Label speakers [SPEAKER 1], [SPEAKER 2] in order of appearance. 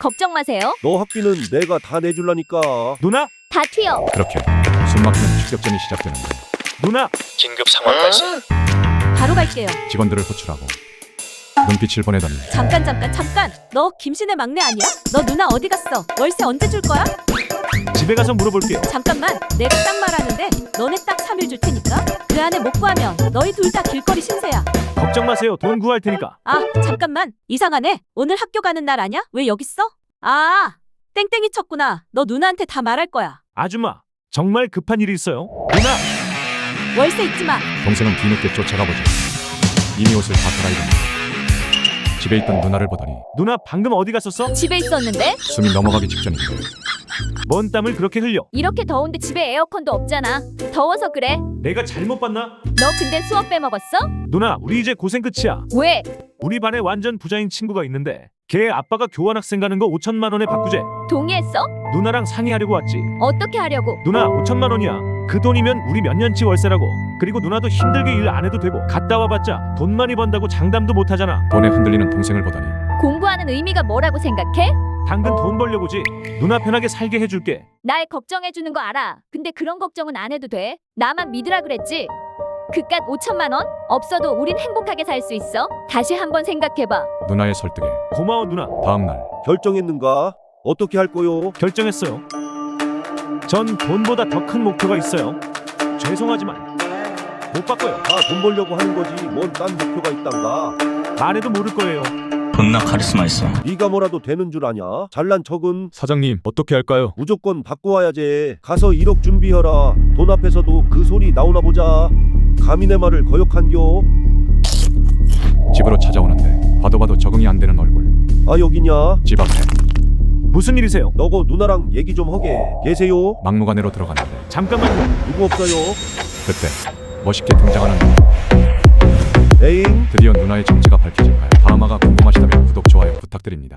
[SPEAKER 1] 걱정 마세요.
[SPEAKER 2] 너 학비는 내가 다 내줄라니까.
[SPEAKER 3] 누나?
[SPEAKER 1] 다 튀어.
[SPEAKER 4] 그렇게 숨막히는 추격전이 시작되는데
[SPEAKER 3] 누나!
[SPEAKER 5] 긴급 상황 발생.
[SPEAKER 1] 바로 갈게요.
[SPEAKER 4] 직원들을 호출하고 눈빛을 보내더니
[SPEAKER 6] 잠깐. 너 김신의 막내 아니야? 너 누나 어디 갔어? 월세 언제 줄 거야?
[SPEAKER 3] 집에 가서 물어볼게요.
[SPEAKER 6] 잠깐만. 내가 딱 말하는데 너네 딱 3일 줄 테니까 그 안에 못 구하면 너희 둘 다 길거리 신세야.
[SPEAKER 3] 걱정 마세요. 돈 구할 테니까.
[SPEAKER 6] 아 잠깐만. 이상하네. 오늘 학교 가는 날 아냐? 왜 여기 있어? 아 땡땡이 쳤구나. 너 누나한테 다 말할 거야.
[SPEAKER 3] 아줌마, 정말 급한 일이 있어요. 누나!
[SPEAKER 6] 월세 잊지 마.
[SPEAKER 4] 동생은 뒤늦게 쫓아가보죠. 이미 옷을 다 갈아입었는데 집에 있던 누나를 보더니
[SPEAKER 3] 누나 방금 어디 갔었어?
[SPEAKER 1] 집에 있었는데?
[SPEAKER 4] 숨이 넘어가기 직전인데
[SPEAKER 3] 뭔 땀을 그렇게 흘려?
[SPEAKER 1] 이렇게 더운데 집에 에어컨도 없잖아. 더워서 그래.
[SPEAKER 3] 내가 잘못 봤나?
[SPEAKER 1] 너 근데 수업 빼먹었어?
[SPEAKER 3] 누나, 우리 이제 고생 끝이야.
[SPEAKER 1] 왜?
[SPEAKER 3] 우리 반에 완전 부자인 친구가 있는데 걔 아빠가 교환학생 가는 거 5천만 원에 바꾸재.
[SPEAKER 1] 동의했어?
[SPEAKER 3] 누나랑 상의하려고 왔지.
[SPEAKER 1] 어떻게 하려고?
[SPEAKER 3] 누나 5천만 원이야. 그 돈이면 우리 몇 년치 월세라고. 그리고 누나도 힘들게 일 안 해도 되고 갔다 와봤자 돈 많이 번다고 장담도 못 하잖아.
[SPEAKER 4] 돈에 흔들리는 동생을 보더니
[SPEAKER 1] 공부하는 의미가 뭐라고 생각해?
[SPEAKER 3] 당근 돈 벌려고지. 누나 편하게 살게 해줄게.
[SPEAKER 1] 날 걱정해주는 거 알아. 근데 그런 걱정은 안 해도 돼. 나만 믿으라 그랬지. 그깟 5천만 원? 없어도 우린 행복하게 살 수 있어. 다시 한번 생각해봐.
[SPEAKER 4] 누나의 설득에
[SPEAKER 3] 고마워 누나.
[SPEAKER 4] 다음날
[SPEAKER 2] 결정했는가? 어떻게 할 거요?
[SPEAKER 3] 결정했어요. 전 돈보다 더 큰 목표가 있어요. 죄송하지만 못 바꿔요.
[SPEAKER 2] 다 돈 벌려고 하는 거지. 뭔 딴 목표가 있단가?
[SPEAKER 3] 말해도 모를 거예요.
[SPEAKER 5] 존나 카리스마 있어.
[SPEAKER 2] 네가 뭐라도 되는 줄 아냐? 잘난 척은
[SPEAKER 4] 사장님 어떻게 할까요?
[SPEAKER 2] 무조건 바꿔 와야지. 가서 1억 준비해라. 돈 앞에서도 그 소리 나오나 보자. 감히 내 말을 거역한겨?
[SPEAKER 4] 집으로 찾아오는데 봐도 적응이 안 되는 얼굴.
[SPEAKER 2] 아 여기냐?
[SPEAKER 4] 집 앞에
[SPEAKER 3] 무슨 일이세요?
[SPEAKER 2] 너고 누나랑 얘기 좀 하게. 계세요?
[SPEAKER 4] 막무가내로 들어갔는데
[SPEAKER 3] 잠깐만요.
[SPEAKER 2] 누구 없어요?
[SPEAKER 4] 그때 멋있게 등장하는 누나.
[SPEAKER 2] 에잉?
[SPEAKER 4] 드디어 누나의 정체가 밝혀질까요? 다음화가 궁금하시다면 구독, 좋아요 부탁드립니다.